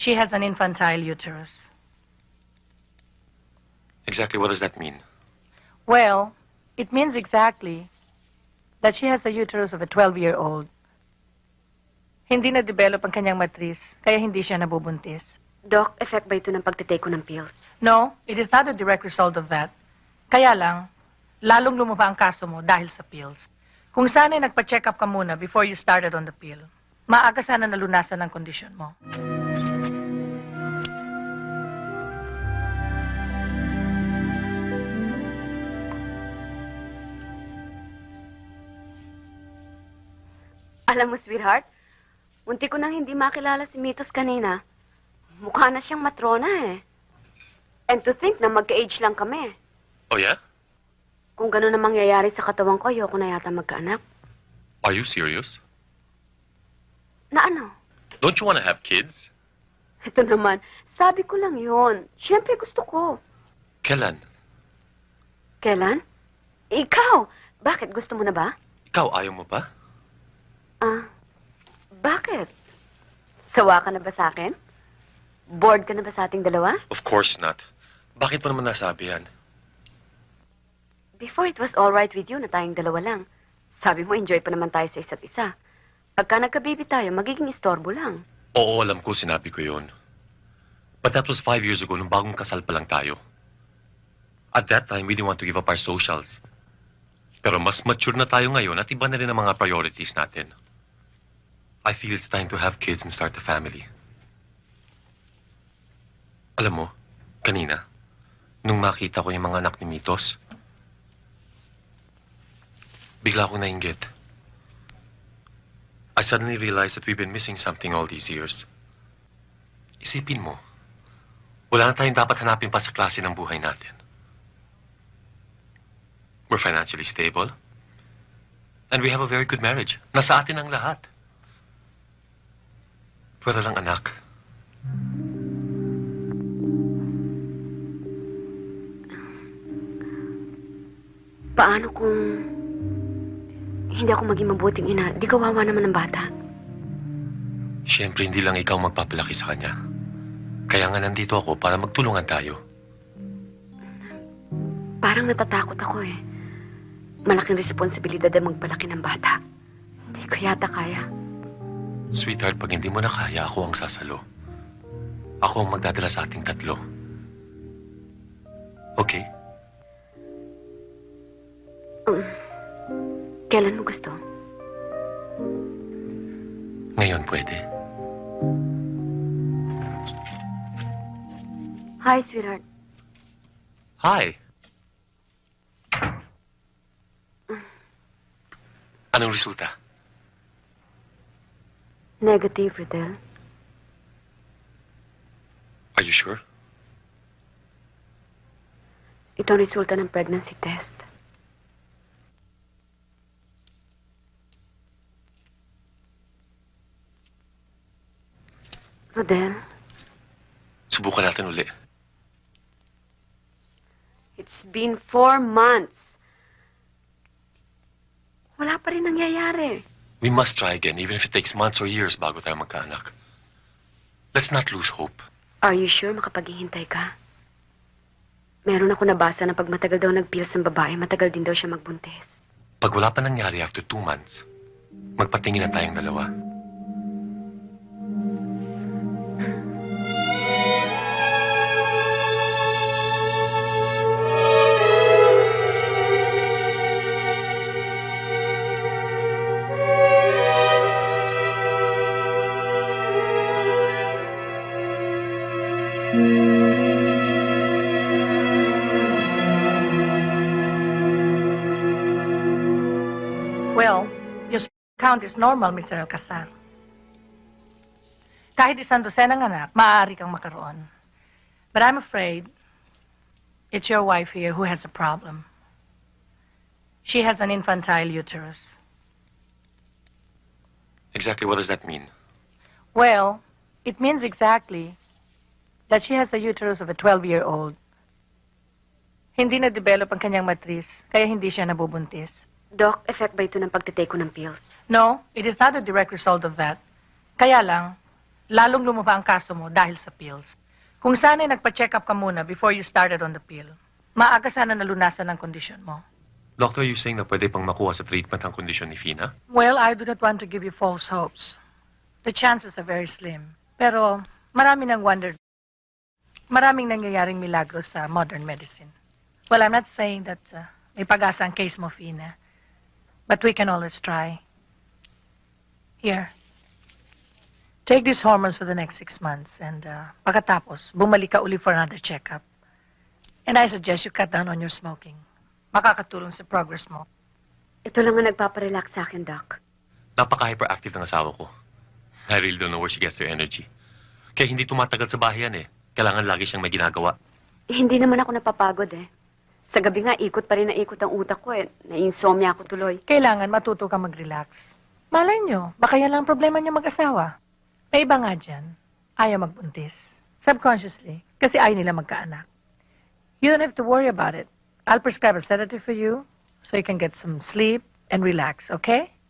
She has an infantile uterus. Exactly what does that mean? Well, it means exactly that she has the uterus of a 12-year-old. Hindi na-develop ang kanyang matris, kaya hindi siya nabubuntis. Doc, effect ba ito ng pagtitake ko ng pills? No, it is not a direct result of that. Kaya lang, lalong lumaba ang kaso mo dahil sa pills. Kung sana'y nagpa-check up ka muna before you started on the pill, maaga sana nalunasan ang kondisyon mo. Alam mo, sweetheart, munti ko nang hindi makilala si Mitos kanina. Mukha na siyang matrona eh. And to think na magka-age lang kami. Oh, yeah? Kung gano'n na mangyayari sa katawan ko, ayoko na yata magkaanak. Are you serious? Na ano? Don't you want to have kids? Ito naman, sabi ko lang yon. Siyempre gusto ko. Kailan? Kailan? Ikaw, bakit? Gusto mo na ba? Ikaw, ayaw mo pa? Bakit? Sawa ka na ba sa akin? Bored ka na ba sa ating dalawa? Of course not. Bakit mo naman nasabi yan? Before it was all right with you na tayong dalawa lang. Sabi mo, enjoy pa naman tayo sa isa't isa. Pagka nagka-baby tayo, magiging istorbo lang. Oo, alam ko, sinabi ko yun. But that was 5 years ago, nung bagong kasal pa lang tayo. At that time, we didn't want to give up our socials. Pero mas mature na tayo ngayon at iba na rin ang mga priorities natin. I feel it's time to have kids and start a family. Alam mo, kanina, nung makita ko yung mga anak ni Mitos, bigla akong nainggit. I suddenly realized that we've been missing something all these years. Isipin mo, wala na tayong dapat hanapin pa sa klase ng buhay natin. We're financially stable. And we have a very good marriage. Nasa atin ang lahat. Pero lang anak. Paano kung hindi ako maging mabuting ina? Di kawawa naman ng bata. Siyempre, hindi lang ikaw magpapalaki sa kanya. Kaya nga nandito ako para magtulungan tayo. Parang natatakot ako eh. Malaking responsibilidad ang magpalaki ng bata. Hindi ko yata kaya. Sweetheart, pag hindi mo na kaya, ako ang sasalo. Ako ang magdadala sa ating tatlo. Okay? Kailan mo gusto? Ngayon pwede. Hi, sweetheart. Hi! Anong resulta? Negative, Riddle. Are you sure? Ito ang resulta ng pregnancy test. Rodel, Subukan natin uli. it's been 4 months. Wala pa rin nangyayari. We must try again, even if it takes months or years bago tayo magkaanak. Let's not lose hope. Are you sure makapaghihintay ka? Meron ako nabasa na pag matagal daw nag-pills ng babae, matagal din daw siya magbuntis. Pag wala pa nangyari after 2 months, magpatingin na tayong dalawa. Well, your count is normal, Mr. Alcazar. Kahit isang dosenang anak, maaari kang makaroon. But I'm afraid it's your wife here who has a problem. She has an infantile uterus. Exactly what does that mean? Well, it means exactly that she has the uterus of a 12-year-old. Hindi na-develop ang kanyang matris, kaya hindi siya nabubuntis. Doc, effect ba ito ng pagtitake ko ng pills? No, it is not a direct result of that. Kaya lang, lalong lumaba ang kaso mo dahil sa pills. Kung sana'y nagpa-check up ka muna before you started on the pill, maaga sana nalunasan ang kondisyon mo. Doctor, you saying na pwede pang makuha sa treatment ang kondisyon ni Fina? Well, I do not want to give you false hopes. The chances are very slim. Pero maraming nangyayaring milagros sa modern medicine. Well, I'm not saying that may pag-asa ang case mo, Fina. But we can always try. Here. Take these hormones for the next 6 months and pagkatapos, bumalik ka uli for another checkup. And I suggest you cut down on your smoking. Makakatulong sa progress mo. Ito lang ang nagpaparelax sa akin, Doc. Napaka-hyperactive ng asawa ko. I really don't know where she gets her energy. Kaya hindi tumatagal sa bahay yan eh. Kailangan lagi siyang may ginagawa. Hindi naman ako napapagod eh. Sa gabi nga, ikot pa rin na ikot ang utak ko eh. Na-insomnia ako tuloy. Kailangan matuto ka mag-relax. Malay nyo, baka yan lang ang problema niyo mag-asawa. May iba nga dyan, ayaw magbuntis. Subconsciously, kasi ayaw nila magkaanak. You don't have to worry about it. I'll prescribe a sedative for you so you can get some sleep and relax, okay?